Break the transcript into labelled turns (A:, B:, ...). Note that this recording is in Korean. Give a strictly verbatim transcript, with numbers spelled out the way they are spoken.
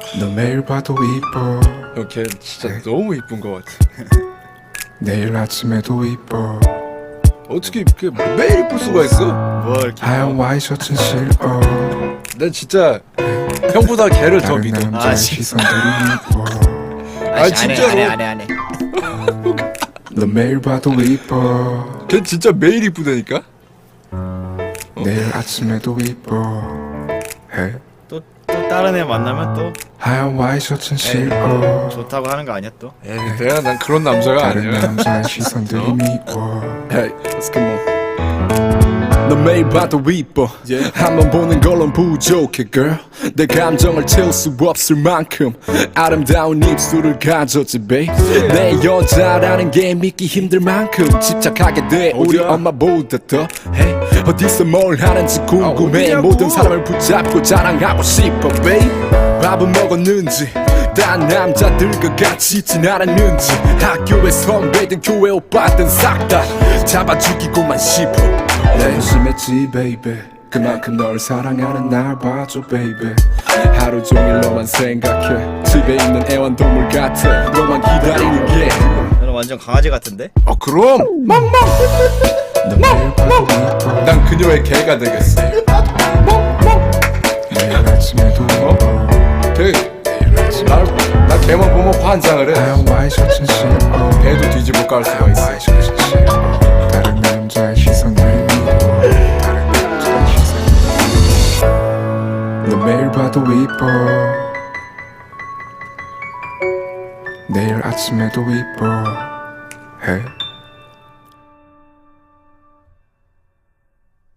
A: 너 매일 봐도 이뻐.
B: 형, 걔 진짜 너무 이쁜 것 같아.
A: 내일 아침에도 이뻐.
B: 어떻게 그 매일 이쁠 수가 있어?
C: 뭘 이렇게
A: 하얀 와이셔츠는 싫어.
B: 난 진짜 형보다 걔를 더
A: 다른
B: 믿어.
A: 남자의
C: 아, 씨.
A: 시선들이 미워.
B: 아니, 진짜로.
C: 안해 안해 안해
A: 너 매일 봐도 이뻐.
B: 걔 진짜 매일 이쁘다니까?
A: 내일 아침에도 이뻐. 해.
C: 또, 또 다른 애 만나면 또
A: 하얀 와이셔츠는 싫어.
C: 좋다고 하는 거 아니야 또?
B: 에이, 내가 난 그런 남자가
A: 다른
B: 아니야.
A: 남자의 시선들이 미워.
B: Hey, let's come on.
D: 너 매일 봐도 이뻐
B: Yeah.
D: 한번 보는 걸론 부족해 girl 내 감정을 채울 수 없을 만큼 아름다운 입술을 가졌지 babe 내 여자라는 게 믿기 힘들 만큼 집착하게 돼 우리
B: 어디야?
D: 엄마보다 더 hey, 어디서 뭘 하는지 궁금해
B: 어디냐고?
D: 모든 사람을 붙잡고 자랑하고 싶어 babe 밥은 먹었는지 딴 남자들과 같이 있진 않았는지 학교의 선배든 교회 오빠든 싹 다 잡아 죽이고만 싶어
A: 내 심했지 baby. 그만큼 널 사랑하는 날 봐줘 baby.
D: 하루 종일 너만 생각해 집에 있는 애완동물 같아 너만 기다리는 게
C: 너는 완전 강아지 같은데?
B: 어, 그럼
A: 너 매일 봐도 이뻐.
B: 난 그녀의 개가 되겠어.
A: 내일 아침에도 이뻐.
B: 걔, 날, 나 걔만 보면 환장을 해.
A: 하얀 와이셔츠는 싫어.
B: 배도 뒤집어 깔 수가
A: 하얀
B: 있어.
A: 와이셔츠는 싫어. 다른 남자의 시선들이 미워. 다른 남자의 시선들이 미워. 너 매일 봐도 이뻐. 내일 아침에도 이뻐. 해.